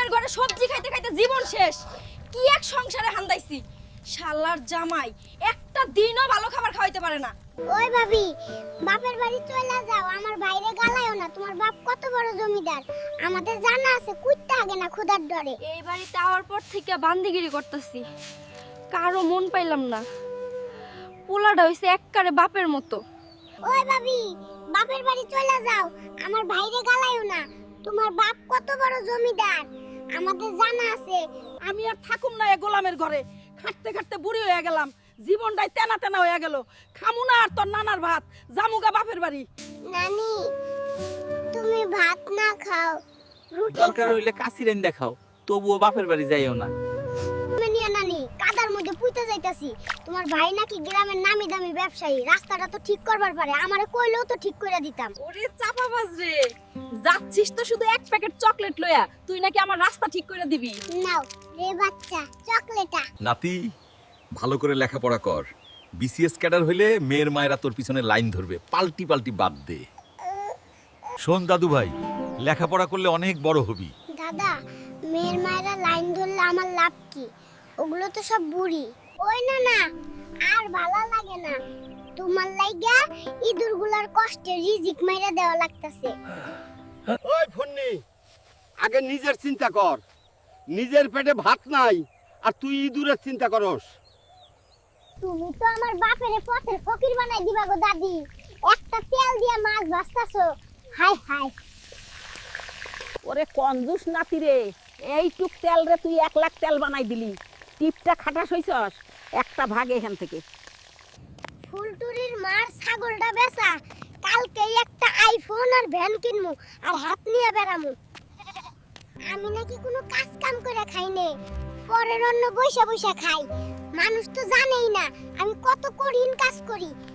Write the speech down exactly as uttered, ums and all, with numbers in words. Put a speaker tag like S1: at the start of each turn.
S1: গোলামের ঘরে সবজি খাইতে খাইতে জীবন শেষ। কি এক সংসারে হান্দাইছি। শালার জামাই একটা দিনও ভালো খাবার খাওয়াইতে পারে না।
S2: ওই ভাবি, বাপের বাড়ি চলে যাও, আমার বাইরে গালায়ও না। তোমার বাপ কত বড় জমিদার, আমাদের জানা আছে। কুইতে আগে না ক্ষুধার ডরে।
S1: এই বাড়িতে আওয়ার পর থেকে বান্দিগিরি করতেছি, কারো মন পাইলাম না। পোলাটা হইছে এককারে বাপের মতো।
S2: ওই ভাবি, বাপের বাড়ি চলে যাও, আমার বাইরে গালায়ও না। তোমার বাপ কত বড় জমিদার, আমাদের জানা আছে।
S3: আমি আর থাকুম না এ গোলামের ঘরে। খাটতে খাটতে বুড়ি হয়ে গেলাম, জীবনটাই তেনা তেনা হয়ে গেল। খামু না আর তোর নানার ভাত, জামুগা বাপের বাড়ি।
S2: নানি, তুমি ভাত না খাও, রুটি
S4: দরকার হইলে কাশিরেন দেখাও, তবুও বাপের বাড়ি যাইও না।
S2: মেনিয়া নানি, কাদার মধ্যে পুইতে যাইতাছি। তোমার ভাই নাকি গ্রামের নামি দামি ব্যবসায়ী, রাস্তাটা তো ঠিক করবার পারে। আমারে কইলেও তো ঠিক করে দিতাম।
S3: ওরে চাপাবাজ রে, যাচ্ছিস তো শুধু এক প্যাকেট চকলেট লইয়া, তুই নাকি আমার রাস্তা ঠিক করে দিবি।
S2: নাও রে বাচ্চা, চকলেটা।
S5: নাতি, ভালো করে লেখাপড়া কর। বিসিএস ক্যাডার হইলে মেয়ের মায়েরা তোর পিছনে লাইন ধরবে, পাল্টি পাল্টি বাদ দে। শোন দাদু ভাই, লেখাপড়া করলে অনেক বড় হবি।
S2: দাদা, মেয়ের মায়েরা লাইন ধরলে আমার লাভ কি? ওগুলো তো সব বুড়ি। ওই না না, আর ভালো লাগে না। তোমার লাইগা ইঁদুরগুলার কষ্টে রিজিক মাইরা দেওয়া লাগতাছে।
S6: ওই ফন্নি, আগে নিজের চিন্তা কর। নিজের পেটে ভাত নাই আর তুই ইঁদুরের চিন্তা করস।
S2: তুমি তো আমার বাপেরে পথের ফকির বানাই দিবা গো দাদি। একটা তেল দিয়া মাছ ভাজতাছো, হাই হাই।
S3: ওরে কঞ্জুস নাতি রে, এইটুক তেল রে তুই এক লাখ তেল বানাই দিলি। টিপটা খাটাস হইছস, একটা ভাগ এখান থেকে।
S2: ফুলটুরির মার ছাগলটা বেচা, কালকে একটা আইফোন আর ভ্যান কিনমু আর হাত নিয়ে বেড়ামু। আমি নাকি কোনো কাজ কাম করে খাই নে, পরের অন্ন বইসা বইসা খাই। মানুষ তো জানেই না আমি কত কঠিন কাজ করি।